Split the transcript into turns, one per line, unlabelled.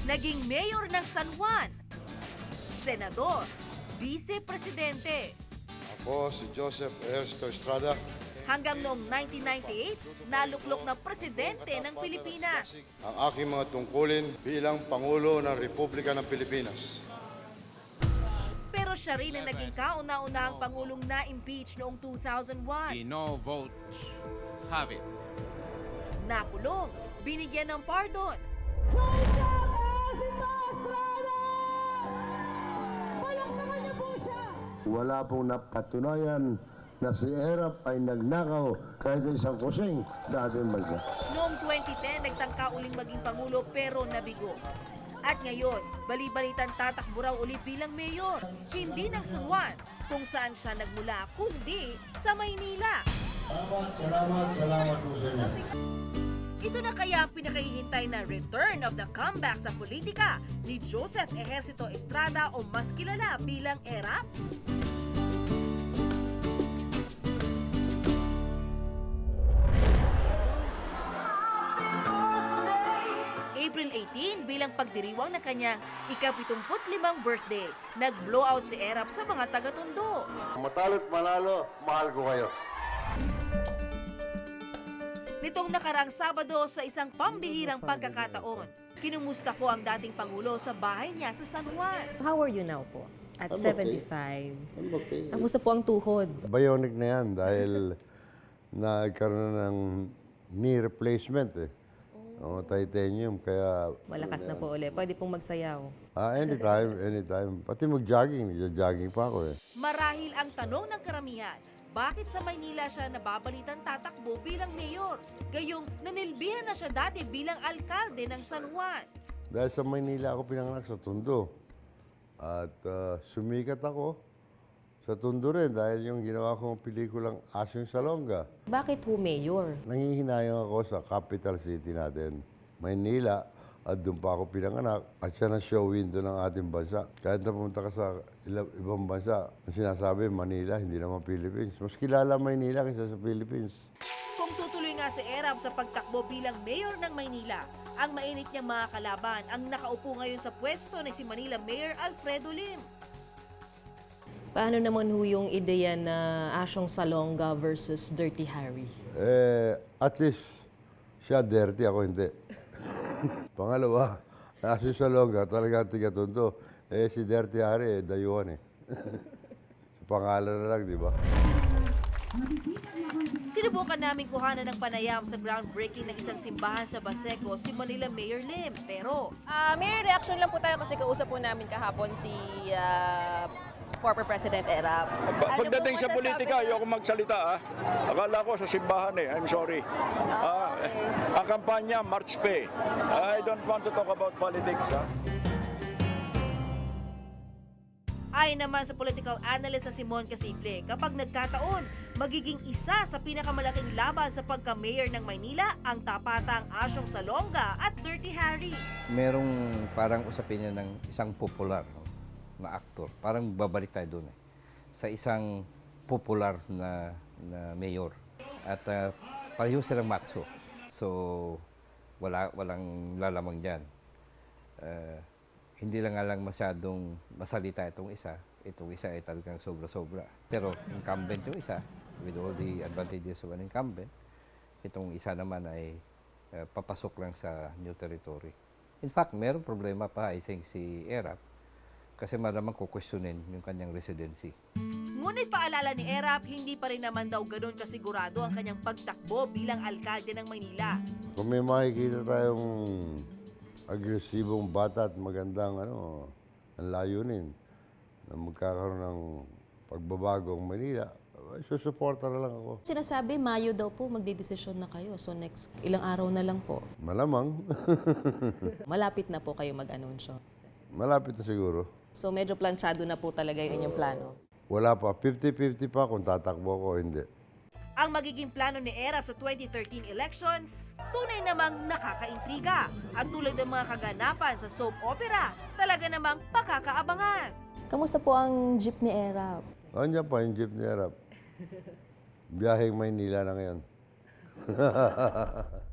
naging mayor ng San Juan, senador, vice-presidente.
Ako si Joseph Ernesto Estrada.
Hanggang noong 1998, naluklok na presidente ng Pilipinas.
Ang aking mga tungkulin bilang Pangulo ng Republika ng Pilipinas.
Pero siya rin ang naging kauna-unahang Pangulong na-impeach noong 2001.
The no votes have it.
Nakulong, binigyan ng pardon.
Wala pong napatunayan na si Erap ay nagnakaw kahit isang kusing dating bansa.
Noong 2010, nagtangka uling maging Pangulo pero nabigo. At ngayon, bali-balitan tatakbo raw ulit bilang mayor. Hindi ng San Juan, kung saan siya nagmula, kundi sa Maynila.
Salamat po sa inyo.
Ito na kaya ang pinakahihintay na return of the comeback sa politika ni Joseph Ejercito Estrada o mas kilala bilang ERAP? April 18 bilang pagdiriwang ng kanyang ika-75 birthday, nag-blowout si ERAP sa mga taga-Tondo.
Matalo't manalo, mahal ko kayo.
Nitong nakarang Sabado sa isang pambihirang pagkakataon, kinumusta ko ang dating Pangulo sa bahay niya sa San Juan.
How are you now po? At
I'm
75.
Okay.
Kamusta po ang tuhod?
Bionic na yan dahil nagkaroon ng knee replacement eh. O, titanium, kaya...
Malakas na po ulit. Pwede pong magsayaw.
Anytime. Pati mag-jogging, nagja-jogging pa ako eh.
Marahil ang tanong ng karamihan, bakit sa Maynila siya nababalitan tatakbo bilang mayor? Gayong nanilbihan na siya dati bilang alkalde ng San Juan.
Dahil sa Maynila ako pinanganak sa Tondo. At sumikat ako sa Tondo rin dahil yung ginawa kong pelikulang Asyong Salonga.
Bakit ho mayor?
Nangihinayang ako sa capital city natin, Maynila, at doon pa ako pinanganak. At siya na show window ng ating bansa. Kahit na pumunta ka sa ibang bansa, ang sinasabi, Manila, hindi naman Philippines. Mas kilala Maynila kaysa sa Philippines.
Kung tutuloy nga si ERAP sa pagtakbo bilang mayor ng Maynila, ang mainit niyang mga kalaban ang nakaupo ngayon sa pwesto ni si Manila Mayor Alfredo Lim.
Paano naman ho yung ideya na Asyong Salonga versus Dirty Harry?
At least, siya dirty, ako hindi. Pangalawa, Asyong Salonga, talaga tiga-Tondo. Si Dirty Harry, dayuhan eh. Sa pangalan na lang, di ba?
Sinubukan namin kuhanan ng panayam sa groundbreaking ng isang simbahan sa Baseco si Manila Mayor Lim. Pero
May reaction lang po tayo kasi kausap po namin kahapon si former President Erap.
Pagdating sa politika, ayoko magsalita. Akala ko sa simbahan eh. I'm sorry. Ang kampanya, March Pay. I don't want to talk about politics.
ayon naman sa political analyst na Simon Casible, kapag nagkataon, magiging isa sa pinakamalaking laban sa pagka-mayor ng Maynila ang tapatang Asyong Salonga at Dirty Harry.
Merong parang usapin niya ng isang popular na aktor. Parang babalik tayo doon eh. Sa isang popular na mayor. At pareho silang matso. So, walang lalamang dyan. Hindi lang nga lang masyadong masalita itong isa. Itong isa ay talagang sobra-sobra. Pero incumbent yung isa, with all the advantages of an incumbent. Itong isa naman ay papasok lang sa new territory. In fact, mayroong problema pa, I think, si Erap. Kasi malamang kukwestiyonin yung kanyang residency.
Ngunit paalala ni Erap, hindi pa rin naman daw ganun kasigurado ang kanyang pagtakbo bilang alkalde ng Maynila.
Kung may makikita tayong agresibong bata at magandang ang layunin na magkakaroon ng pagbabago ang Manila, susuporta na lang ako.
Sinasabi, Mayo daw po magdidesisyon na kayo. So next, ilang araw na lang po.
Malamang.
Malapit na po kayo mag-anunsyo.
Malapit na siguro.
So medyo planchado na po talaga yung inyong plano.
Wala pa. 50-50 pa kung tatakbo ko o hindi.
Ang magiging plano ni Erap sa 2013 elections, tunay namang nakakaintriga. At tulad ng mga kaganapan sa soap opera, talaga namang pakakaabangan.
Kamusta po ang jeep ni Erap?
Andiyan pa yung jeep ni Erap. Biyaheng Maynila na ngayon.